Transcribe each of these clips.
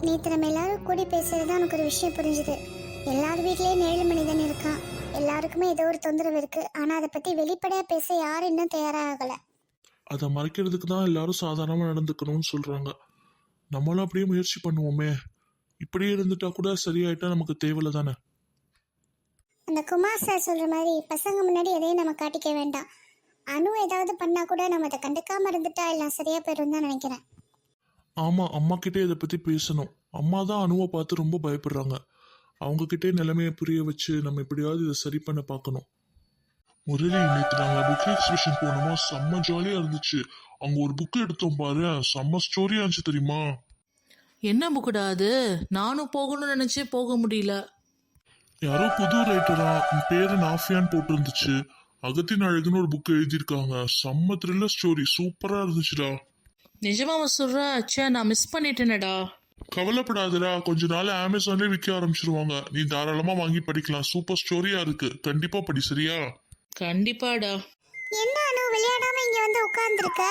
நேற்று நம்ம எல்லாரும் கூடி பேசுறது தான் எனக்கு ஒரு விஷயம் புரிஞ்சுது. எல்லார் வீட்லேயும் 7 மனிதன் இருக்கான். எல்லாருக்குமே ஏதோ ஒரு தொந்தரவு இருக்கு. ஆனால் அதை பற்றி வெளிப்படையாக பேச யாரும் இன்னும் தயாராகலை. அதை மறைக்கிறதுக்கு தான் எல்லாரும் சாதாரணமாக நடந்துக்கணும்னு சொல்கிறாங்க. நம்மளும் அப்படியே முயற்சி பண்ணுவோமே. இப்படியே இருந்துட்டா கூட சரியாயிட்டா நமக்கு தேவையில்ல தானே. அந்த குமார் சார் சொல்கிற மாதிரி பசங்க முன்னாடி எதையும் நம்ம காட்டிக்க வேண்டாம். அணு ஏதாவது பண்ணால் கூட நம்ம அதை கண்டுக்காமல் இருந்துட்டா எல்லாம் சரியாக போயிடும் தான் நினைக்கிறேன். ஆமாம், அம்மா கிட்டே இதை பற்றி பேசணும். அம்மா தான் அணுவை பார்த்து ரொம்ப பயப்படுறாங்க. அவங்கக்கிட்டே நிலைமையை புரிய வச்சு நம்ம எப்படியாவது இதை சரி பண்ண பார்க்கணும். முரளி, நேற்று நாங்கள் புக் எக்ஸிபிஷன் போனோமா, செம்ம ஜாலியாக இருந்துச்சு. அங்கே ஒரு புக்கு எடுத்தோம் பாரு, செம்ம ஸ்டோரியாக இருந்துச்சு தெரியுமா? என்ன புக்குடா அது? நானும் போகணும்னு நினச்சி போக முடியல. யாரோ புது ரைட்டரா, பேரு நாஃபியான்னு போட்டு இருந்துச்சு. அகத்தின் அழகுன்னு ஒரு புக் எழுதியிருக்காங்க. செம்ம த்ரில்லர் ஸ்டோரி, சூப்பராக இருந்துச்சுடா. நிஜமாவ சொல்ற? அச்சா, நான் மிஸ் பண்ணிட்டேனடா. கவலைப்படாதடா, கொஞ்ச நாள் அமேசான்லேயே விற்க ஆரம்பிச்சிருவாங்க. நீ தாராளமாக வாங்கி படிக்கலாம். சூப்பர் ஸ்டோரியா இருக்கு, கண்டிப்பா படி. சரியா? கண்டிப்பாடா. என்ன அணு விளையாடாம இங்க வந்து உட்கார்ந்துருக்க?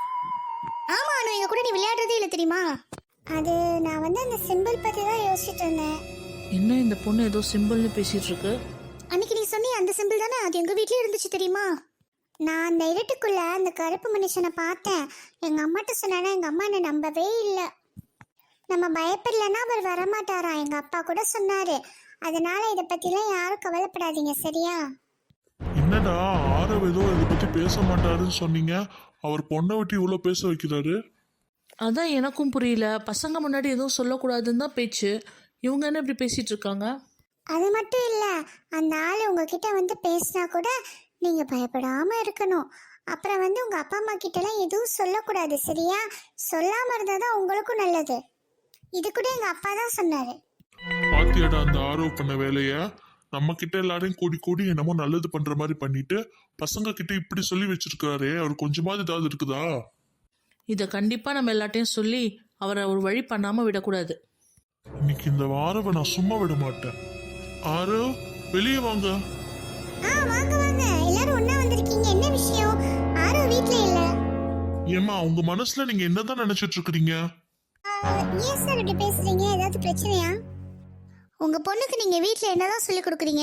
ஆமா அணு, எங்க கூட நீ விளையாடுறதே இல்லை தெரியுமா? அது நான் வந்து அந்த சிம்பிள் பத்தி தான் யோசிச்சுட்டு இருந்தேன். என்ன இந்த பொண்ணு ஏதோ சிம்பிள்னு பேசிட்டு இருக்கு? அன்னைக்கு நீ சொன்னி அந்த சிம்பிள் தானே, அது எங்க வீட்லயே இருந்துச்சு தெரியுமா? நான் அந்த இருட்டுக்குள்ள அந்த கருப்பு மனுஷனை பார்த்தேன். எங்க அம்மாட்ட சொன்னா எங்க அம்மா என்ன நம்பவே இல்லை. நம்ம பயப்படலன்னா அவர் வரமாட்டாரா, எங்க அப்பா கூட சொன்னாரு. அதனால இதை பத்திலாம் யாரும் கவலைப்படாதீங்க, சரியா? என்னடா, ஆரவ் ஏதோ இதை பத்தி பேச மாட்டாருன்னு சொன்னீங்க, அவர் பொண்ணை விட்டு இவ்வளோ பேச வைக்கிறாரு. அதான் எனக்கும் புரியல. பசங்க முன்னாடி எதுவும் சொல்லக்கூடாதுன்னு தான் பேச்சு. இவங்க என்ன இப்படி பேசிட்டு இருக்காங்க? அது மட்டும் இல்ல, அந்த ஆள் உங்ககிட்ட வந்து பேசினா கூட நீங்க பயப்படாம இருக்கணும். அப்புறம் வந்து உங்க அப்பா அம்மா கிட்ட எல்லாம் எதுவும் சொல்லக்கூடாது, சரியா? சொல்லாம இருந்தாதான் உங்களுக்கும் நல்லது. இது கூட எங்க அப்பா தான் சொன்னாரு. பாத்தியாடா அந்த ஆரவ் பண்ண வேலைய? நம்ம கிட்ட எல்லாரையும் கூடி கூடி என்னமோ நல்லது பண்ற மாதிரி பண்ணிட்டு பசங்க கிட்ட இப்படி சொல்லி வச்சிருக்காரு. அவர் கொஞ்சமாவது ஏதாவது இருக்குதா? இதை கண்டிப்பா நம்ம எல்லாட்டையும் சொல்லி அவரை ஒரு வழி பண்ணாம விடக்கூடாது. இன்னைக்கு இந்த ஆரவை நான் சும்மா விட மாட்டேன். ஆரவ், வெளியே வாங்க. வாங்க வாங்க, எல்லாரும் ஒண்ணா வந்திருக்கீங்க. என்ன விஷயம்? ஆரோ வீட்ல இல்ல. ஏமா, உங்க மனசுல நீங்க என்னதான் நினைச்சிட்டு இருக்கிறீங்க? ஏன் சார் இப்படி பேசுறீங்க? ஏதாவது பிரச்சனையா? உங்க பொண்ணுக்கு நீங்க வீட்ல என்னதான் சொல்லி கொடுக்குறீங்க?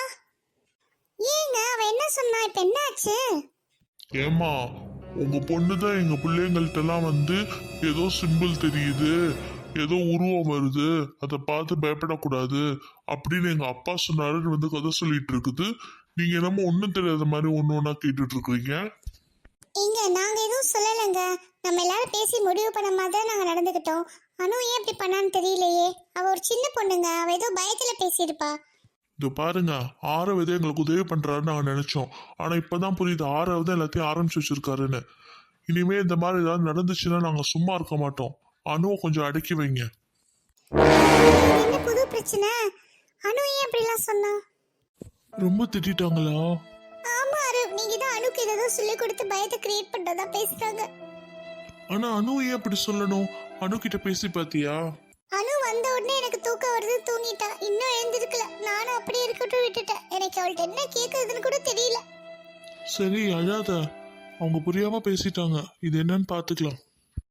ஏங்க அவ என்ன சொன்னா? இப்ப என்ன ஆச்சு? ஏமா, உங்க பொண்ணுதான் எங்க பிள்ளைங்கள்ட்ட எல்லாம் வந்து ஏதோ சிம்பிள் தெரியுது, ஏதோ உருவம் வருது, அதை பார்த்து பயப்படக்கூடாது அப்படின்னு எங்க அப்பா சொன்னாருன்னு வந்து கதை சொல்லிட்டு இருக்குது. நீங்க என்னமோ ஒன்றும் தெரியாத மாதிரி ஒன்று ஒன்றா கேட்டுட்டு இருக்கிறீங்க. இங்க நாங்க எதுவும் சொல்லலைங்க. நம்ம எல்லாரும் பேசி முடிவு பண்ண மாதிரி தான் நாங்க நடந்துக்கிட்டோம். அனு ஏன் இப்படி பண்ணான்னு தெரியலையே. அவ ஒரு சின்ன பொண்ணுங்க, அவ ஏதோ பயத்துல பேசியிருப்பா. இது பாருங்க, ஆரவ் ஏதோ எங்களுக்கு உதவி பண்றாருன்னு நாங்கள் நினைச்சோம். ஆனா இப்பதான் புரியுது, ஆரவ் தான் எல்லாத்தையும் ஆரம்பிச்சு வச்சிருக்காருன்னு. இனிமே இந்த மாதிரி ஏதாவது நடந்துச்சுன்னா நாங்க சும்மா இருக்க மாட்டோம். அணுவை கொஞ்சம் அடக்கி வைங்க. என்ன புது பிரச்சனை? அனு ஏன் அப்படிலாம் சொன்னா? ரொம்ப திட்டாங்களா? ஆமா அரு, நீங்க தான் அனுக்கு ஏதோ சொல்லி கொடுத்து பயத்தை கிரியேட் பண்றதா பேசுறாங்க. ஆனா அனு ஏன் அப்படி சொல்லணும்? அனு கிட்ட பேசி பாத்தியா? அனு வந்த உடனே எனக்கு தூக்கம் வருது, தூங்கிட்டா. இன்னும் எழுந்திருக்கல. நானும் அப்படியே இருக்கட்டும் விட்டுட்டேன். எனக்கு அவள்கிட்ட என்ன கேட்கறதுன்னு கூட தெரியல. சரி, அழாத. அவங்க புரியாம பேசிட்டாங்க. இது என்னன்னு பாத்துக்கலாம்.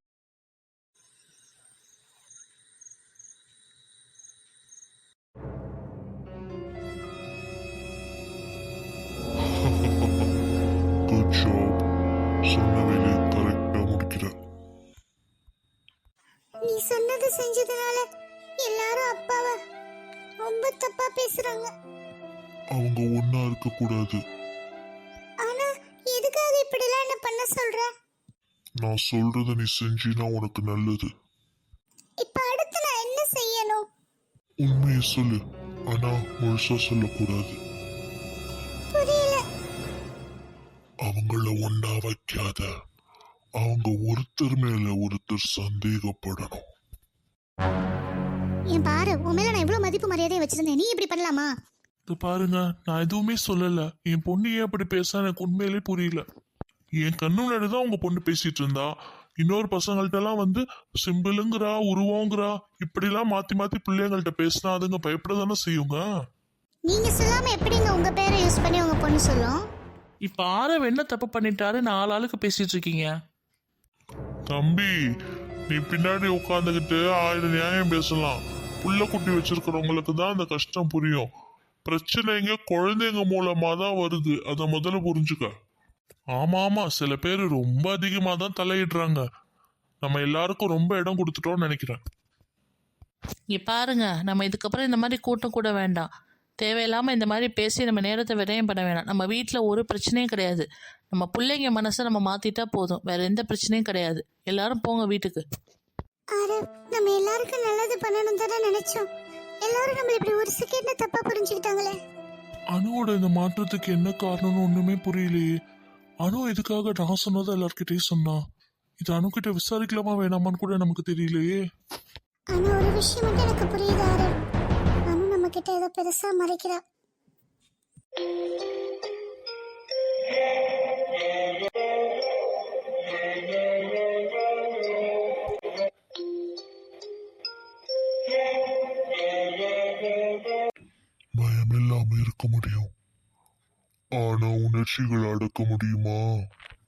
Good job. சொன்ன வேலையை கரெக்டா முடிக்கிற. நீ சொன்னது செஞ்சதுனால எல்லாரும் அப்பாவை ரொம்ப தப்பா பேசுறாங்க. அவங்க ஒன்னா இருக்க கூடாது. ஆனா எதுக்காக இப்படிலாம் என்ன பண்ண சொல்ற? நான் சொல்றத நீ செஞ்சினா உனக்கு நல்லது. இப்ப அடுத்து நான் என்ன செய்யணும்? உண்மையை சொல்லு, ஆனா முழுசா சொல்லக்கூடாது. புரியல. அவங்கள ஒன்னா வைக்காத. அவங்க ஒருத்தர் மேல ஒருத்தர் சந்தேகப்படணும். என் பாரு, உன் மேல நான் இவ்வளவு மதிப்பு மரியாதையை வச்சிருந்தேன், நீ இப்படி பண்ணலாமா? இது பாருங்க, நான் எதுவுமே சொல்லல. என் பொண்ணு ஏன் அப்படி பேச எனக்கு உண்மையிலே புரியல. என் கண்ணு முன்னாடிதான் உங்க பொண்ணு பேசிட்டு இருந்தா. இன்னொரு பசங்கள்ட்ட எல்லாம் வந்து சிம்பிளுங்கிறா, உருவங்கிறா, இப்படிலாம் மாத்தி மாத்தி பிள்ளைங்கள்ட்ட பேசினா அதுங்க பயப்பட தானே செய்யுங்க. நீங்க சொல்லாம எப்படிங்க உங்க பேரை யூஸ் பண்ணி உங்க பொண்ணு சொல்லும்? இப்ப ஆரவ் என்ன தப்பு பண்ணிட்டாரு? 4 ஆளுக்கு பேசிட்டு இருக்கீங்க. தம்பி, நீ பின்னாடி உட்காந்துக்கிட்டு 1000 நியாயம் பேசலாம். புள்ள குட்டி வச்சிருக்கிறவங்களுக்கு தான் அந்த கஷ்டம் புரியும். பிரச்சனைங்க குழந்தைங்க மூலமா தான் வருது, அதை முதல்ல புரிஞ்சுக்க. ஆமா ஆமா, சில பேர் ரொம்ப அதிகமா தான் தலையிடுறாங்க. நம்ம எல்லாருக்கும் ரொம்ப இடம் கொடுத்துட்டோம்னு நினைக்கிறேன். இங்கே பாருங்க, நம்ம இதுக்கப்புறம் இந்த மாதிரி கூட்டம் கூட வேண்டாம். தேவையில்லாமல் இந்த மாதிரி பேசி நம்ம நேரத்தை விரயம் பண்ண வேணாம். நம்ம வீட்டில் ஒரு பிரச்சனையும் கிடையாது. நம்ம பிள்ளைங்க மனசை நம்ம மாற்றிட்டா போதும், வேற எந்த பிரச்சனையும் கிடையாது. எல்லாரும் போங்க வீட்டுக்கு. அரவ், நம்ம எல்லாருக்கும் நல்லது பண்ணணும் தானே நினைச்சோம். எல்லாரும் நம்மள இப்படி ஒரு செகண்ட்ல தப்பா புரிஞ்சுக்கிட்டாங்களே. அனுவோட இந்த மாற்றத்துக்கு என்ன காரணம்னு ஒண்ணுமே புரியலையே. அனு எதுக்காக நான் சொன்னதை எல்லார்கிட்டயும் சொன்னா? இது அணுகிட்ட விசாரிக்கலாமா வேணாமான்னு கூட நமக்கு தெரியலையே. ஆனா ஒரு விஷயம் மட்டும் எனக்கு புரியுது அரவ். அனு நம்ம கிட்ட ஏதோ பெருசா மறைக்கிறா. பயம் இல்லாம இருக்க முடியும், ஆனா உணர்ச்சிகள் அடக்க முடியுமா?